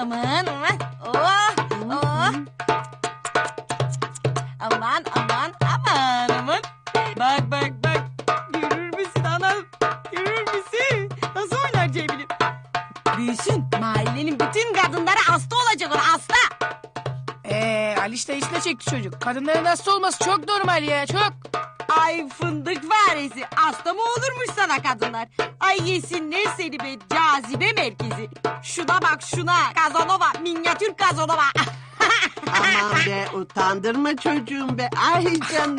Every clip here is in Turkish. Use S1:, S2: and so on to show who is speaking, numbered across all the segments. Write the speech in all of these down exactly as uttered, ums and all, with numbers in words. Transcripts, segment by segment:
S1: Aman aman. Oh, oh. Aman aman aman aman. Bak bak bak. Görür müsün anam? Görür müsün? Nasıl oynar Cemil'im? Büyüsün. Mahallenin bütün kadınları hasta olacak o hasta.
S2: Ee, Aliş de içine çekti çocuk. Kadınların hasta olması çok normal ya, çok.
S1: Ay fındık faresi. Hasta mı olurmuş sana kadınlar? Ay yesinler seni be cazibe merkezi. Şuna bak şuna. Kazanova. Minyatür Kazanova.
S3: Aman be utandırma çocuğum be. Ay canım.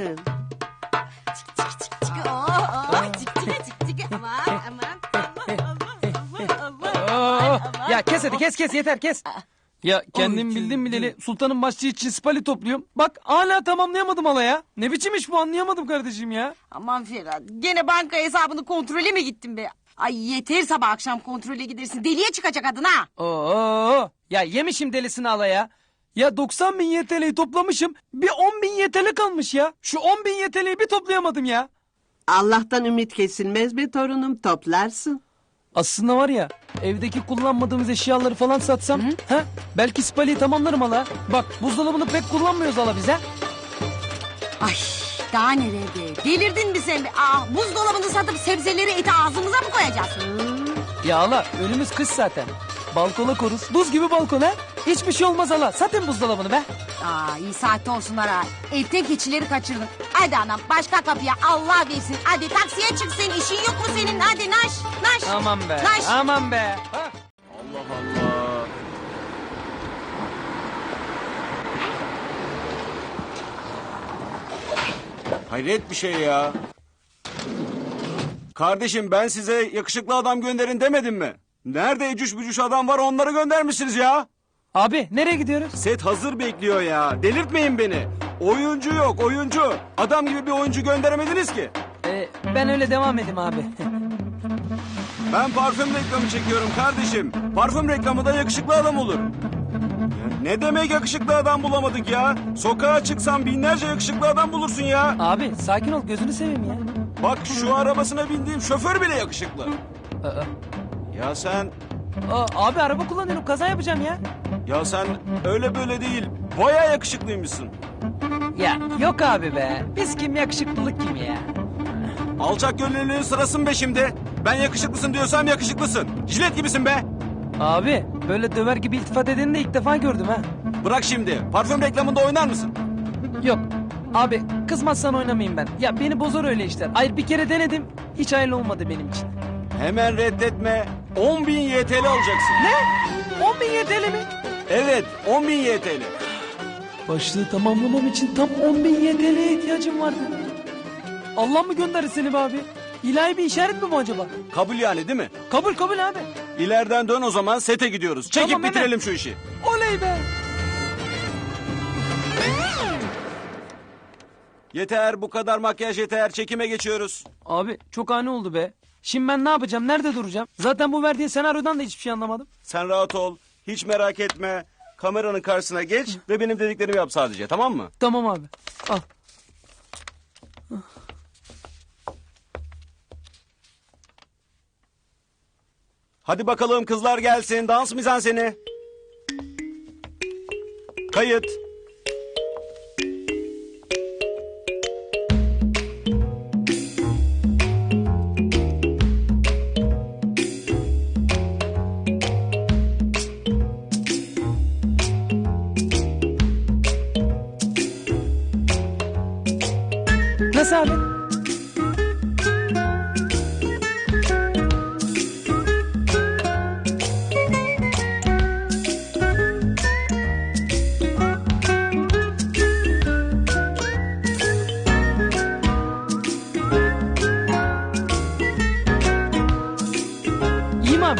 S1: Oh, oh, cik cik cik cik. Aman aman. Allah Allah Allah Allah.
S4: Oo,
S1: Aman,
S4: ya kes hadi kes kes yeter kes. Ya kendim
S1: Oy,
S4: bildim bileli sultanın başçı için spali topluyorum. Bak hala tamamlayamadım hala ya. Ne biçim iş bu anlayamadım kardeşim ya.
S1: Aman Ferhat. Gene banka hesabını kontrole mi gittin be? Ay yeter sabah akşam kontrole gidersin. Deliye çıkacak adın ha.
S4: Oo, ya yemişim delisini hala ya. Ya doksan bin Y T L'yi toplamışım. Bir on bin Y T L kalmış ya. Şu on bin Y T L'yi bir toplayamadım ya.
S3: Allah'tan ümit kesilmez be torunum, toplarsın.
S4: Aslında var ya evdeki kullanmadığımız eşyaları falan satsam ha, belki spaliyi tamamlarım hala. Bak buzdolabını pek kullanmıyoruz hala bize.
S1: Ay daha neler be. Delirdin mi sen be? Aa, buzdolabını satıp sebzeleri eti ağzımıza mı koyacağız?
S4: Ya hala önümüz kış zaten. Balkona koruz. Buz gibi balkon ha. Hiçbir şey olmaz hala. Satın buzdolabını be.
S1: Aa iyi saatte olsunlar ha. Evden keçileri kaçırdın. Hadi anam başka kapıya Allah versin. Hadi taksiye çıksın. İşin yok mu senin? Hadi naş naş.
S4: Aman be.
S1: Naş.
S4: Aman be. Ha?
S5: Allah Allah. Hayret bir şey ya. Kardeşim ben size yakışıklı adam gönderin demedim mi? Nerede ecüş bücüş adam var onları göndermişsiniz ya.
S4: Abi nereye gidiyoruz?
S5: Set hazır bekliyor ya. Delirtmeyin beni. Oyuncu yok oyuncu. Adam gibi bir oyuncu gönderemediniz ki.
S4: Ee, ben öyle devam edeyim abi.
S5: Ben parfüm reklamı çekiyorum kardeşim. Parfüm reklamı da yakışıklı adam olur. Ya ne demek yakışıklı adam bulamadık ya? Sokağa çıksan binlerce yakışıklı adam bulursun ya.
S4: Abi sakin ol gözünü seveyim ya.
S5: Bak şu arabasına bindiğim şoför bile yakışıklı.
S4: Aa,
S5: Ya sen,
S4: aa, abi araba kullanıyorum kaza yapacağım ya.
S5: ya sen öyle böyle değil. Baya yakışıklıymışsın.
S4: Ya yok abi be. Biz kim yakışıklılık kim ya?
S5: Alçak gönüllülüğün sırası mı be şimdi? Ben yakışıklısın diyorsam yakışıklısın. Jilet gibisin be.
S4: Abi böyle döver gibi iltifat edeni de ilk defa gördüm ha.
S5: Bırak şimdi. Parfüm reklamında oynar mısın?
S4: Yok. Abi kızmazsan oynamayayım ben. Ya beni bozar öyle işler. Hayır bir kere denedim. Hiç hayırlı olmadı benim için.
S5: Hemen reddetme. on bin Y T L alacaksın.
S4: Ne? on bin Y T L mi?
S5: Evet, on bin Y T L.
S4: Başlığı tamamlamam için tam on bin Y T L'ye ihtiyacım vardı. Allah mı gönderir seni be abi? İlahi bir işaret mi bu acaba?
S5: Kabul yani değil mi?
S4: Kabul kabul abi.
S5: İleriden dön o zaman sete gidiyoruz. Çekip
S4: Tamam, hemen.
S5: bitirelim şu işi.
S4: Oley be.
S5: Yeter bu kadar makyaj yeter. Çekime geçiyoruz.
S4: Abi çok ani oldu be. Şimdi ben ne yapacağım? Nerede duracağım? Zaten bu verdiğin senaryodan da hiçbir şey anlamadım.
S5: Sen rahat ol. Hiç merak etme. Kameranın karşısına geç ve benim dediklerimi yap sadece, tamam mı?
S4: Tamam abi. Al.
S5: Hadi bakalım kızlar gelsin. Dans mizanseni. Kayıt.
S4: Nasıl abi? İyi mi abi?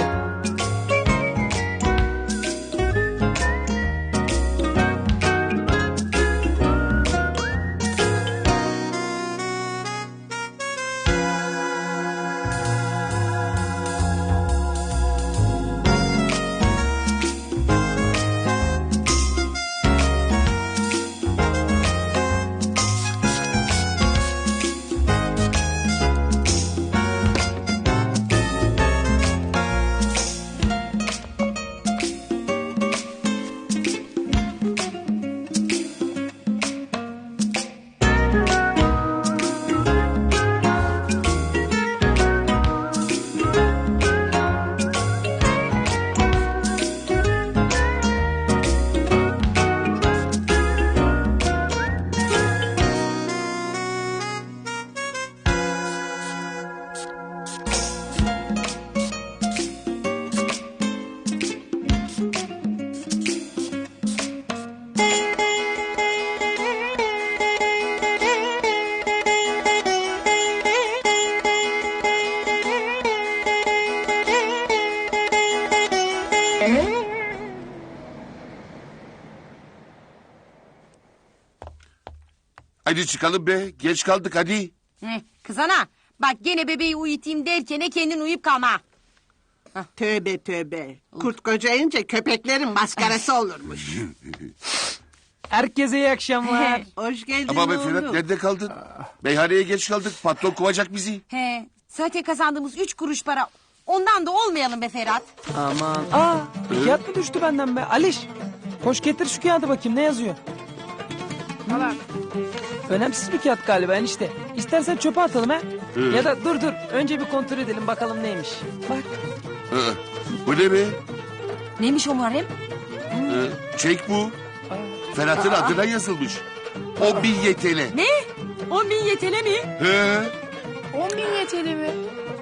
S6: Hadi çıkalım be. Geç kaldık hadi.
S1: Heh, kız ana bak gene bebeği uyutayım derken kendin uyuyup kalma.
S3: Tövbe tövbe. Kurt kocayınca köpeklerin maskarası olurmuş.
S4: Herkese iyi akşamlar.
S3: Hoş geldin
S6: Ama be
S3: oğlum.
S6: Ferhat nerede kaldın? Meyhaneye geç kaldık. Patron kovacak bizi.
S1: He, zaten kazandığımız üç kuruş para. Ondan da olmayalım be Ferhat.
S4: Aman. Aa, bir kağıt mı düştü benden be? Aliş. Koş getir şu kağıdı bakayım ne yazıyor?
S2: Valla.
S4: Önemsiz bir kağıt galiba enişte. İstersen çöpe atalım ha. Ya da dur dur. Önce bir kontrol edelim bakalım neymiş. Bak.
S6: Hı. Bu ne be?
S1: Neymiş o Muharrem?
S6: Hı. Çek bu. Ferhat'ın adına yazılmış. On bin Y T L.
S1: Ne? On bin yetele mi?
S6: He.
S2: On bin yeteli mi?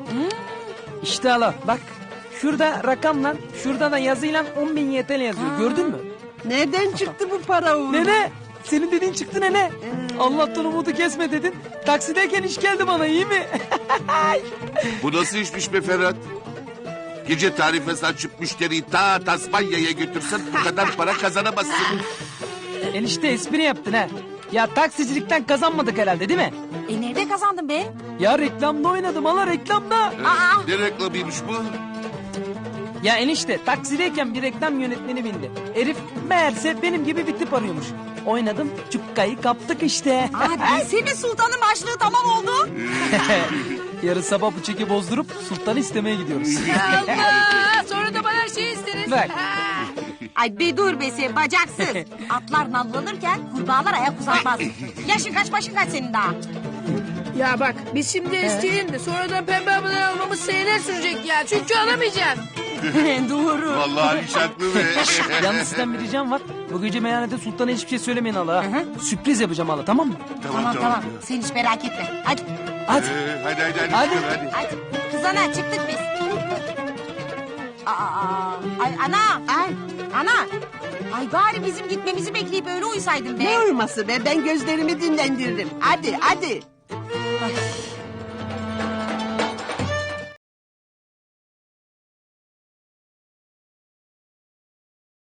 S4: İşte ala bak. Şurada rakamla, şurada da yazıyla on bin Y T L yazıyor. Gördün mü?
S3: Nereden çıktı bu para oğlum?
S4: Nene. Senin dediğin çıktı nene. Allah'tan umudu kesme dedin. Taksideyken iş geldi bana iyi mi?
S6: Bu nasıl işmiş be Ferhat? Gece tarifesi açıp müşteriyi ta Tasmanya'ya götürsen bu kadar para kazanamazsın.
S4: Enişte espri yaptın ha. Ya taksicilikten kazanmadık herhalde değil mi?
S1: E nerede kazandın be?
S4: Ya reklamda oynadım hala reklamda.
S1: Aa,
S6: Ne reklamıymış bu?
S4: Ya enişte taksideyken bir reklam yönetmeni bindi. Herif meğerse benim gibi bir tip arıyormuş. Oynadım cukkayı kaptık işte.
S1: aa bilsene sultanın başlığı tamam oldu.
S4: Yarın sabah bu çeki bozdurup sultanı istemeye gidiyoruz.
S2: Allah! Sonra da bana her şeyi isteriz.
S4: Bak.
S1: Ay be dur be sen bacaksız. Atlar nallanırken kurbağalar ayak uzatmaz. Yaşın kaç başın kaç senin daha?
S2: Ya bak biz şimdi isteyelim de sonradan pembe abone almamız seneler sürecek ya. Çünkü alamayacağım.
S1: Doğru.
S6: Vallahi hiç haklı be.
S4: Yalnız sizden bir ricam var. Bu gece meyhanede sultana hiçbir şey söylemeyin hala. ha. Sürpriz yapacağım hala tamam mı?
S1: Tamam tamam sen hiç merak etme. Hadi
S4: Hadi.
S6: Ee, hadi hadi hadi.
S4: Hadi.
S6: çıkın, hadi.
S1: hadi kız ana çıktık biz. Aa, ay ana.
S3: Ay,
S1: Ana. Ay bari bizim gitmemizi bekleyip öyle uyusaydın be.
S3: ne uyuması be? Ben gözlerimi dinlendiririm. Hadi hadi.
S1: Ay,